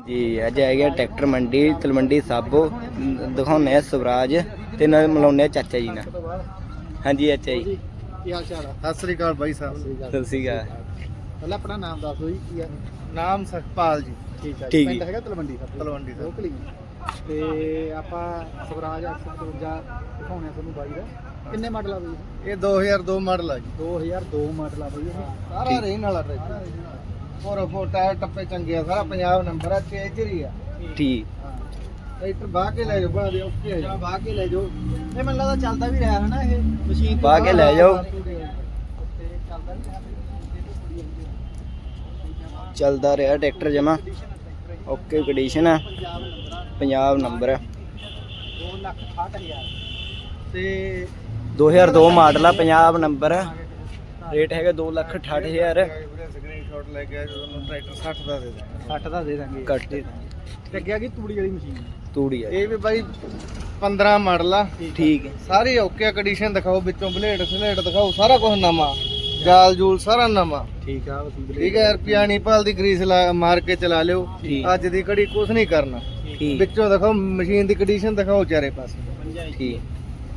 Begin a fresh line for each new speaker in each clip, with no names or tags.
जी अज है गया ट्रैक्टर मंडी तलवंडी साबो दिखाने स्वराज ते नाल मिलाउने चाचा जी ना। हाँ जी चाचा जी
ਕੀ ਹਾਲ ਚਾਲ ਆ? ਸਤਿ ਸ੍ਰੀ ਅਕਾਲ ਬਾਈ ਸਾਹਿਬ।
सत श्री अकाल।
ਪਹਿਲਾਂ ਆਪਣਾ ਨਾਮ ਦੱਸ ਦਿਓ ਜੀ ਕੀ ਆ? ਨਾਮ ਸਖਪਾਲ ਜੀ। ਠੀਕ ਹੈ
ਠੀਕ
ਪਿੰਡ
ਜੀ।
ਹੈਗਾ ਤਲਵੰਡੀ ਸਾਹਿਬ। ਤਲਵੰਡੀ ਸਾਹਿਬ ਲੋਕਲੀ ਤੇ ਆਪਾਂ ਸਵਰਾਜ 855 ਦਿਖਾਉਣੇ ਤੁਹਾਨੂੰ ਬਾਈ ਦਾ। ਕਿੰਨੇ ਮਾਡਲ ਆ ਬਈ? ਇਹ 2002 ਮਾਡਲ ਆ ਜੀ। 2002 ਮਾਡਲ ਆ ਬਈ ਇਹ ਸਾਰਾ ਰੇਨ ਵਾਲਾ ਟਰੈਕਟਰ। ਫੋਰ ਟਾਇਰ ਟੱਪੇ ਚੰਗੇ ਆ, ਸਾਰਾ ਪੰਜਾਬ ਨੰਬਰ ਆ, ਚੇਜਰੀ ਆ।
ठीक
ਟਰੈਕਟਰ ਬਾਹ ਕੇ ਲੈ ਜਾਓ, ਬਣਾ ਦੇ ਓਕੇ ਆ ਜੀ। ਬਾਹ ਕੇ ਲੈ ਜਾਓ। ਇਹ ਮੈਨੂੰ ਲੱਗਦਾ ਚੱਲਦਾ ਵੀ ਰਿਹਾ ਹੈ ਨਾ ਇਹ ਮਸ਼ੀਨ
ਬਾਹ ਕੇ ਲੈ ਜਾਓ।
ਚੱਲਦਾ ਵੀ ਰਿਹਾ।
चलता रहा ट्रैक्टर जमा ओके कंडीशन है पंजाब नंबर है
2,68,000 ਤੇ
2002 मॉडल है पंजाब नंबर है रेट है 2,68,000
ਸਕਰੀਨਸ਼ਾਟ ਲੈ ਕੇ ਜਦੋਂ ਟਰੈਕਟਰ 60 ਦਾ ਦੇ ਦਾਂਗੇ। 60 ਦਾ ਦੇ ਦਾਂਗੇ।
कट
ਤੇ ਅੱਗੇ ਆ ਗਈ ਤੂੜੀ ਵਾਲੀ ਮਸ਼ੀਨ।
तूड़ी है
ਇਹ ਵੀ ਬਾਈ 15 ਮਾਡਲ ਆ।
ठीक है
ਸਾਰੀ ਓਕੇ ਕੰਡੀਸ਼ਨ ਦਿਖਾਓ, ਵਿੱਚੋਂ ਬਲੇਡ ਸਲੇਡ ਦਿਖਾਓ, ਸਾਰਾ ਕੁਝ ਨਵਾਂ, ਜਾਲ ਜੂਲ ਸਾਰਾ ਨਵਾਂ। ਠੀਕ ਆ ਠੀਕ ਹੈ। ਰੁਪਿਆ ਨਹੀਂ ਪਾਲ ਦੀ ਗਰੀਸ ਮਾਰ ਕੇ ਚਲਾ ਲਿਓ। ਅੱਜ ਦੀ ਘੜੀ ਕੁਝ ਨਹੀਂ ਕਰਨਾ।
ठीक
ਵਿੱਚੋਂ ਦਿਖਾਓ ਮਸ਼ੀਨ ਦੀ ਕੰਡੀਸ਼ਨ ਦਿਖਾਓ ਚਾਰੇ ਪਾਸੇ।
ठीक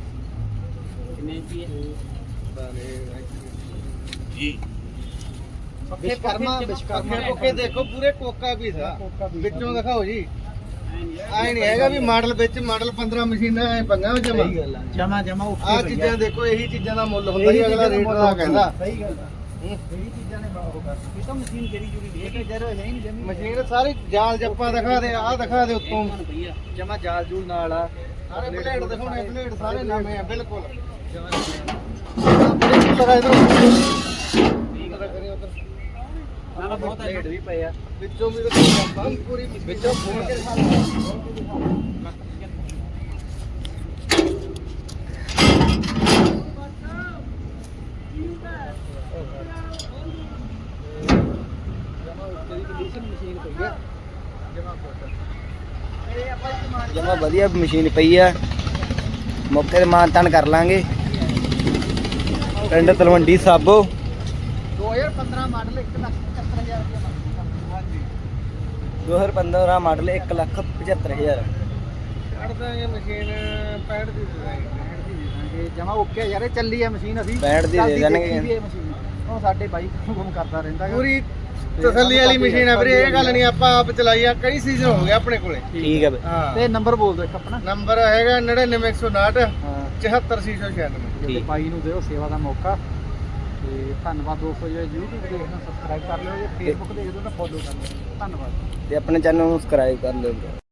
ਜੀ ਵਿਸ਼ਕਰਮਾ ਕੋਕੇ ਦੇਖੋ ਪੂਰੇ ਕੋਕਾ ਵੀ ਥਾ ਵਿੱਚੋਂ ਦਿਖਾਓ ਜੀ। ਆਏ ਨਹੀਂ ਹੈਗਾ ਵੀ ਮਾਡਲ ਵਿੱਚ ਮਾਡਲ 15 ਮਸ਼ੀਨਾਂ ਐ ਪੰਗਾ ਵਿੱਚ ਜਮਾ ਜਮਾ ਆ ਚੀਜ਼ਾਂ ਦੇਖੋ, ਇਹੀ ਚੀਜ਼ਾਂ ਦਾ ਮੁੱਲ ਹੁੰਦਾ ਜੀ। ਅਗਲਾ ਰੇਟ ਦਾ ਕਹਿੰਦਾ। ਸਹੀ ਗੱਲ ਆ। ਇਹੀ ਚੀਜ਼ਾਂ ਨੇ ਉਹ ਕਰ ਇਹ ਤਾਂ ਮਸ਼ੀਨ ਜਿਹੜੀ ਜੁੜੀ ਦੇਖ ਜਰ ਹੈ ਹੀ ਨਹੀਂ ਜਮੀ। ਮਸ਼ੀਨ ਸਾਰੀ ਜਾਲ ਜੱਪਾ ਦਿਖਾ ਦੇ, ਆਹ ਦਿਖਾ ਦੇ ਉੱਤੋਂ ਜਮਾ ਜਾਲ ਜੂਲ ਨਾਲ ਆ। ਸਾਰੇ ਬਲੇਡ ਦਿਖਾਉਣੇ, ਬਲੇਡ ਸਾਰੇ ਨਵੇਂ ਆ ਬਿਲਕੁਲ ਜਮਾ। ਨਾ ਬਹੁਤ ਰੇਟ ਵੀ ਪਏ ਆ ਵਿੱਚੋਂ ਵੀ ਤਾਂ ਪੂਰੀ ਵਿੱਚੋਂ ਫੋਨ ਕੇ
जमा वधिया मशीन पई है मौके ते मान तान कर लांगे। पिंड तलवंडी साबो
2015 ਮਾਡਲ 1,75,000 ਰੁਪਏ। ਹਾਂਜੀ
2015 मॉडल 1,75,000
ਕੱਢ ਦਾਂਗੇ ਮਸ਼ੀਨ 65 ਦੀ ਦੇ ਦਾਂਗੇ ਜਮਾ ਓਕੇ ਯਾਰ। ਇਹ ਚੱਲੀ ਆ ਮਸ਼ੀਨ, ਅਸੀਂ
65 ਦੀ ਦੇ ਦੇਣਗੇ।
ਇਹ ਮਸ਼ੀਨ ਉਹ ਸਾਡੇ ਬਾਈਕ ਕੰਮ ਕਰਦਾ ਰਹਿੰਦਾ ਪੂਰੀ ਤਸੱਲੀ ਵਾਲੀ ਮਸ਼ੀਨ ਆ ਵੀਰੇ। ਇਹ ਗੱਲ ਨਹੀਂ ਆਪਾਂ ਆਪ ਚਲਾਈ ਆ, ਕਈ ਸੀਜ਼ਨ ਹੋ ਗਏ ਆਪਣੇ ਕੋਲੇ।
ठीक है
ਹਾਂ ਤੇ ਨੰਬਰ ਬੋਲ ਦਿਓ ਇੱਕ ਆਪਣਾ। ਨੰਬਰ ਹੈਗਾ 99,159
हाँ
74,696।
ਠੀਕ।
ਬਾਈ ਨੂੰ ਦਿਓ ਸੇਵਾ ਦਾ ਮੌਕਾ। ਤੇ ਧੰਨਵਾਦ ਦੋਸਤੋ। ਜੇ YouTube ਦੇਖਣਾ ਸਬਸਕ੍ਰਾਈਬ ਕਰ ਲਿਓ, ਜੇ Facebook ਦੇਖਦੇ ਹੋ ਤਾਂ ਫੋਲੋ ਕਰ ਲਿਓ। ਧੰਨਵਾਦ।
ते अपने चैनल सब्सक्राइब कर लो।